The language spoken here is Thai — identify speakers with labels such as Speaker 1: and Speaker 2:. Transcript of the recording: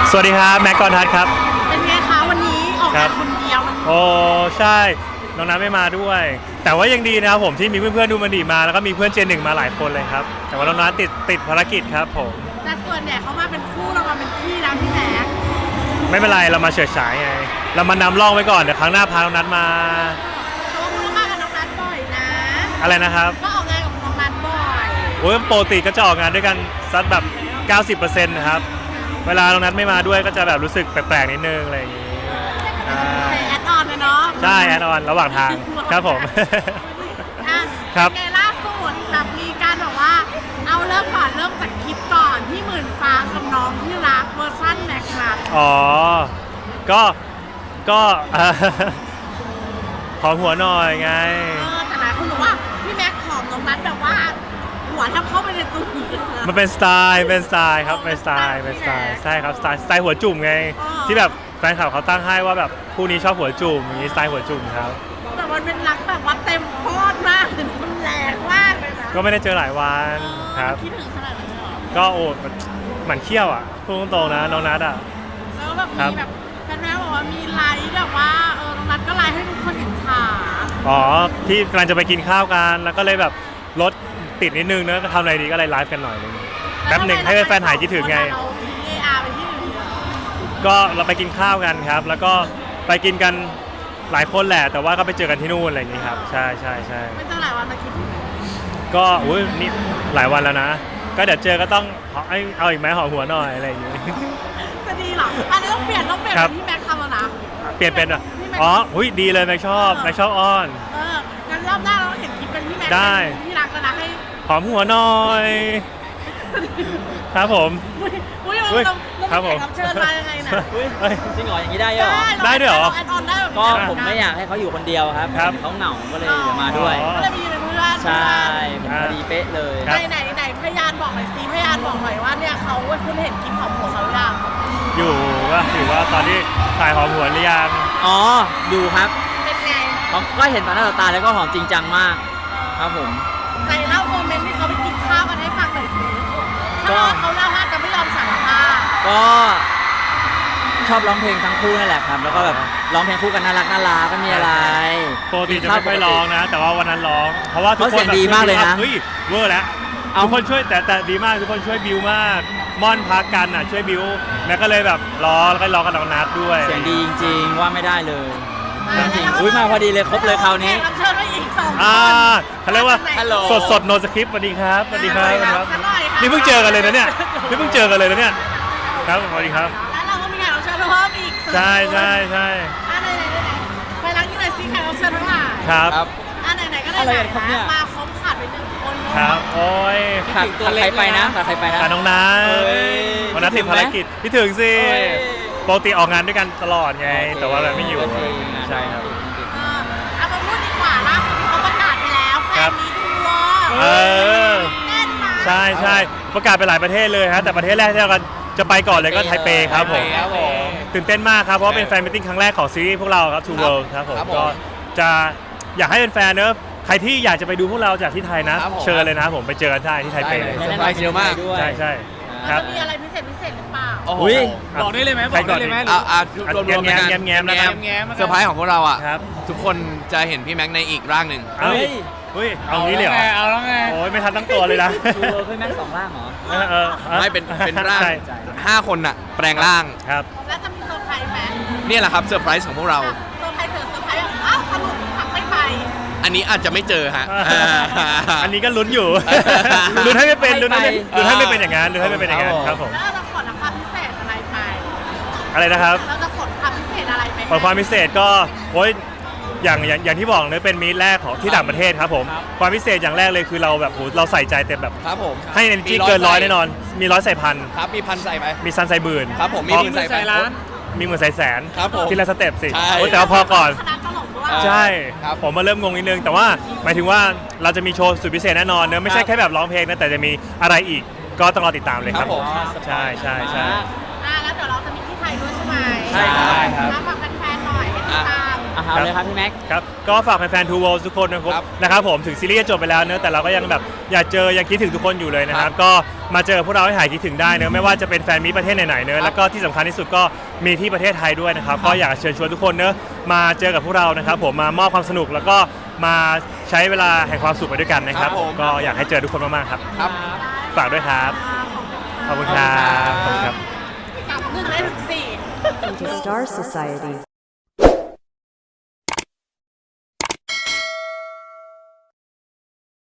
Speaker 1: สวัสดีครับแม็กกอนทัศน์ครับ
Speaker 2: เป็นไงคะวันนี้ออกงานคนเดียว
Speaker 1: โอ้ใช่น้องน้ำไม่มาด้วย แต่ว่ายังดีนะครับผมที่มีเพื่อนๆดูมันดีมาแล้วก็มีเพื่อนเจนหนึ่งมาหลายคนเลยครับแต่ว่าน้องน้ำติดภารกิจครับผม
Speaker 2: แต่ส่วนใหญ่เขามาเป็นคู่เรามาเป็นพี่นะพี่แม็ก
Speaker 1: ไม่เป็นไรเรามาเฉิดฉายไงเรามานำร่องไว้ก่อนเดี๋ยวครั้งหน้าพาน้องนัทมา
Speaker 2: แต่ว่าคุณต้องมากับน้องนัทบ่อยนะ
Speaker 1: อะไรนะครับ
Speaker 2: ก็ออกงานกับน้องนัทบ่อย
Speaker 1: โอ้ยปกติก็จะออกงานด้วยกันสักแบบ 90% นะครับเวลาน้องนัทไม่มาด้วยก็จะแบบรู้สึกแปลกๆนิดนึงอะไรอย่างงี้
Speaker 2: แอดออนเลยเนาะ
Speaker 1: ใช่แอดออนระหว่างทางครับผม
Speaker 2: ครับไงล่าสุดแบบมีการบอกว่าเอาเริ่มจากคลิปก่อนที่หมื่นฟ้ากับน้องที่รักเวอร์ชันแม็กซ์ครับ
Speaker 1: อ๋อก็ขอหัวหน่อยไง
Speaker 2: แต่หลายคนบอกว่าพี่แม็กซ์หอมน้องนัทแบบว่าหัวทำเข้าไปในตัว
Speaker 1: มันเป็นสไตล์ครับเป็นสไตล์ใช่ครับสไตล์หัวจุ่มไงที่แบบแฟนคลับเขาตั้งให้ว่าแบบคู่นี้ชอบหัวจุ่มอย่างนี้สไตล์หัวจุ่มครับ
Speaker 2: แต่มันเป็นรักแบบว่าเต็มโคตรมากมันแรงมากเลยนะ
Speaker 1: ก็ไม่ได้เจอหลายวันครับ
Speaker 2: คิดถึงขนาดนั้นเหรอ
Speaker 1: ก็โอ้เหมือนเขี้ยวอ่ะพูดตรงๆนะน้องนัทอ่ะ
Speaker 2: แล้วแบบมีแบบแฟนๆบอกว่ามีไลฟ์แบบว่าน้องนัทก็ไลฟ์ให้ทุกคนเห็นฉาก
Speaker 1: อ๋อที่กำลังจะไปกินข้าวกันแล้วก็เลยแบบรถติดนิดนึงเนอะทำอะไรดีก็เลยไลฟ์กันหน่อยนึงแป๊บหนึ่งให้แฟนๆหายคิดถึงไงก็เราไปกินข้าวกันครับแล้วก็ไปกินกันหลายคนแหละแต่ว่าก็ไปเจอกันที่นู่นอะไรอย่างนี้ครับใช่
Speaker 2: ไม่เจอหลายวันมาคิดถึง
Speaker 1: ก็อุ้ยนี่หลายวันแล้วนะก็เดี๋ยวเจอก็ต้องเอาอีกไหมหอมหัวหน่อยอะไรอย่างนี้
Speaker 2: จะดีหรออันนี้ต้องเปลี่ยนเป็นที่แม็กทำแล้วนะ
Speaker 1: เปลี่ยนเป็นอ๋อหุ้ยดีเลยแม็กชอบอ้อน
Speaker 2: งั้นรอบหน้าเราเห็นคลิปเป็นพี่แม็ก
Speaker 1: ได้
Speaker 2: ที่รักแล้วนะให้
Speaker 1: หอมหัวหน่อยครับผม
Speaker 2: ครับผมเชิญมายังไงนะ
Speaker 3: จริงเหรออย่างนี้ได้เหรอ
Speaker 1: ได้ด้วยเหรอ
Speaker 3: ก็ผมไม่อยากให้เขาอยู่คนเดียวครับเขาเหงาก็เลยมาด้วย
Speaker 2: ก็เลยมีเพื่อน
Speaker 3: ใช่พอดีเป๊ะเลย
Speaker 2: ไหนพยานบอกหน่อยสิพยานบอกหน่อยว่าเนี่ยเขาคุณเห็นคลิปของหัวเขายัง
Speaker 1: อยู่ว่าถือว่าตอนที่ถ่ายหอมหัวหรือยัง
Speaker 3: อ๋อดูครับ
Speaker 2: เป็นไง
Speaker 3: ก็เห็นตอนหน้าต่อตาแล้วก็หอมจริงจังมากครับผม
Speaker 2: ไหนเล่าโมเมนต์ที่เขาไปกินข้าวกันให้ฟังหน่อยสิก็เขาเล่าว่าจะไม่ยอมสารภาพ
Speaker 3: ก็ชอบร้องเพลงทั้งคู่นั่นแหละครับแล้วก็แบบร้องเพลงคู่กันน่ารักก็มีอะไร
Speaker 1: ปกติจะไม่ค่อยร้องนะแต่ว่าวันนั้นร้องเพราะว่าทุกคน
Speaker 3: ดีมากเลยนะ
Speaker 1: เฮ้ยเวอร์แล้วทุกคนช่วยแต่ดีมากทุกคนช่วยบิวมากม่อนพักกันอ่ะช่วยบิวแล้วก็เลยแบบร้องแล้วก็ร้องกับน้องนัทด้วย
Speaker 3: เสียงดีจริงๆว่าไม่ได้เลยจริงอุ้ยมาพอดีเลยครบเลยคราวนี้
Speaker 2: เชิญมาอีก2 คน
Speaker 1: เขาเรียกว่าสดโนสคริปต์สวัสดีครับนี่เพิ่งเจอกันเลยนะเนี่ยครับสวัสดีครับ
Speaker 2: แล้วเราก็มีแขกรับเชิญเพิ่มอีก
Speaker 1: ใช่
Speaker 2: ไหนไปล้างที่ไหนซิแขกรับเชิญเท่าไหร่
Speaker 1: ครับ
Speaker 2: ไหนก็ได้มาครบขาดไป1 คน
Speaker 1: ครับโอ้ย
Speaker 3: ขาดใครไปนะ
Speaker 1: ขาดน้องนัทวันนั้นติดภารกิจพี่ถึงสิปกติออกงานด้วยกันตลอดไงแต่ว่าแบบไม่อยู่ใช่ครับ
Speaker 2: เอามาพูดดีกว่าล่าสุดที่เขาประกาศไปแล้วแฟนมีทัวร์
Speaker 1: ใช่ประกาศไปหลายประเทศเลยฮะแต่ประเทศแรกที่เราจะไปก่อนเลยก็ไทเปครับผมตื่นเต้นมากครับเพราะว่าเป็นแฟนมิทติ้งครั้งแรกของซีรีส์พวกเราครับ Two World ครับผมก็จะอยากให้เป็นแฟนเนอะใครที่อยากจะไปดูพวกเราจากที่ไทยนะเชิญเลยนะผมไปเจอกันได้ที่ไทเปเลย
Speaker 3: เซอร์ไพรส์เยอะมาก
Speaker 1: ใช่
Speaker 2: ครับมีอะไรพิเศษหรือเปล่า
Speaker 4: บอกได้เลยไหม
Speaker 1: แง้มนะครับ
Speaker 4: เซอร์ไพรส์ของพวกเราอ่ะทุกคนจะเห็นพี่แม็กในอีกร่างหนึ่ง
Speaker 1: เอางี้เลยเหรอ
Speaker 4: เอาแล้วไง
Speaker 1: โอ้ยไม่ทันตั้งตัวเลยนะ
Speaker 3: พี่แม็ก2 ร่างเหรอ
Speaker 4: ไม่เป็นร่าง5 คนน่ะแปลงร่าง
Speaker 1: ครับ
Speaker 2: แล้วจะมีเซอร์ไพรส์ไหม
Speaker 4: นี่แหละครับเซอร์ไพรส์ของพวกเรา
Speaker 2: เซอร์ไพรส์สรุปผักไม่ไป
Speaker 4: อันนี้อาจจะไม่เจอฮะ
Speaker 1: อันนี้ก็ลุ้นอยู่ลุ้นให้ไม่เป็นอย่างนั้นครับผม
Speaker 2: แล้วเราขอความพิเศษอะไรไป
Speaker 1: อะไรนะครับ
Speaker 2: เราจะขอความพิเศษอะไรไป
Speaker 1: ความพิเศษก็โอ้ยอย่างที่บอกเลยเป็นมีตแรกของที่ต่างประเทศครับผมความพิเศษอย่างแรกเลยคือเราแบบเราใส่ใจเต็มแบบ
Speaker 4: ครับผม
Speaker 1: ให้ energy เกิน100แน่นอนมี100ใส่พัน
Speaker 4: ครับมีพันใส่ไหม
Speaker 1: มีซันใส่หมื่น
Speaker 4: ครับผมมีหมื่นใส่ล้าน
Speaker 1: มีหมื่นใส่แสน
Speaker 4: ครับผม
Speaker 1: ทีละสเต็ปสิแต่ว่าพอก่อนใช่ผมมาเริ่มงงนิดนึงแต่ว่าหมายถึงว่าเราจะมีโชว์สุดพิเศษแน่นอนเนอะไม่ใช่แค่แบบร้องเพลงนะแต่จะมีอะไรอีกก็ต้องรอติดตามเลยครับใช่
Speaker 2: แล้วเดี๋ยวเราจะมีที่ไทยด้วยใช่ไหม
Speaker 3: ใช่
Speaker 2: ครับฝากแฟนๆหน่อยให้ติดตาม
Speaker 3: เอาเลยครับพี่แม็ก
Speaker 1: ครับก็ฝากแฟนๆ Two Worlds ทุกคนนะครับผมถึงซีรีส์จะจบไปแล้วเนอะแต่เราก็ยังแบบอยากเจอยังคิดถึงทุกคนอยู่เลยนะครับก็มาเจอพวกเราให้หายคิดถึงได้เนอะไม่ว่าจะเป็นแฟนมีตประเทศไหนๆเนอะแล้วก็ที่สำคัญที่สุดก็มีที่ประเทศไทยด้วยนะครับก็อยากเชิญชวนทุกคนเนอะมาเจอกับพวกเรานะครับผมมามอบความสนุกแล้วก็มาใช้เวลาแห่งความสุขไปด้วยกันนะครับก็อยากให้เจอทุกคนมากๆครับ
Speaker 4: ครับ
Speaker 1: ฝากด้วยครับขอบคุณครับขอบคุณครับ
Speaker 2: จับ1 ได้ถึง 4
Speaker 5: Into Star Society.